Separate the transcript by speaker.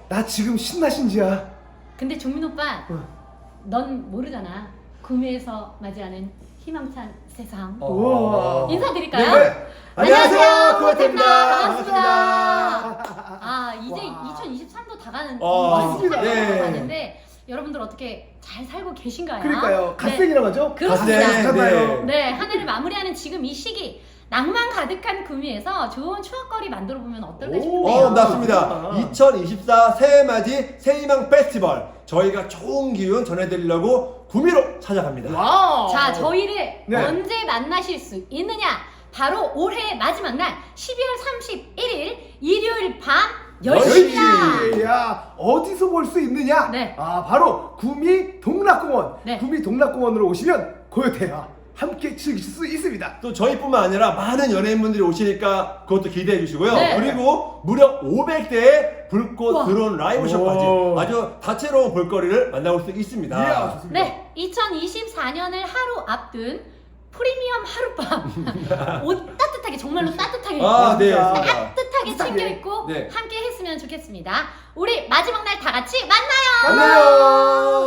Speaker 1: 나 지금 신나신지야.
Speaker 2: 근데 종민 오빠, 넌 모르잖아. 구미에서 맞이하는 희망찬 세상.
Speaker 1: 우와.
Speaker 2: 인사드릴까요?
Speaker 1: 네. 안녕하세요, 구호태입니다. 반갑습니다.
Speaker 2: 이제
Speaker 1: 와.
Speaker 2: 2023도 다가는
Speaker 1: 맞습니다.
Speaker 2: 네. 가는데 여러분들 어떻게 잘 살고 계신가요?
Speaker 1: 그러니까요. 갓생이라고 하죠?
Speaker 2: 그렇습니다.
Speaker 1: 갓생이잖아요.
Speaker 2: 네, 한 해를 마무리하는 지금 이 시기 낭만 가득한 구미에서 좋은 추억거리 만들어 보면 어떨까 싶은데요.
Speaker 3: 맞습니다. 2024 새해맞이 새희망 페스티벌 저희가 좋은 기운 전해드리려고 구미로 찾아갑니다.
Speaker 1: 와우.
Speaker 2: 자, 저희를
Speaker 1: 네.
Speaker 2: 언제 만나실 수 있느냐? 바로 올해의 마지막 날 12월 31일 일요일 밤 10시입니다.
Speaker 1: 야, 어디서 볼 수 있느냐?
Speaker 2: 네.
Speaker 1: 바로 구미 동락공원.
Speaker 2: 네.
Speaker 1: 구미 동락공원으로 오시면 고요태와 함께 즐기실 수 있습니다.
Speaker 3: 또 저희뿐만 아니라 많은 연예인분들이 오시니까 그것도 기대해 주시고요.
Speaker 2: 네.
Speaker 3: 그리고 무려 500대의 불꽃
Speaker 2: 우와.
Speaker 3: 드론 라이브 쇼까지
Speaker 1: 오.
Speaker 3: 아주 다채로운 볼거리를 만나볼 수 있습니다.
Speaker 1: 이야, 좋습니다.
Speaker 2: 네, 2024년을 하루 앞둔 프리미엄 하룻밤. 옷 따뜻하게, 정말로 따뜻하게
Speaker 3: 네.
Speaker 1: 맞습니다.
Speaker 2: 따뜻하게 챙겨입고
Speaker 3: 네.
Speaker 2: 함께 했으면 좋겠습니다. 우리 마지막 날 다 같이 만나요.
Speaker 1: 만나요.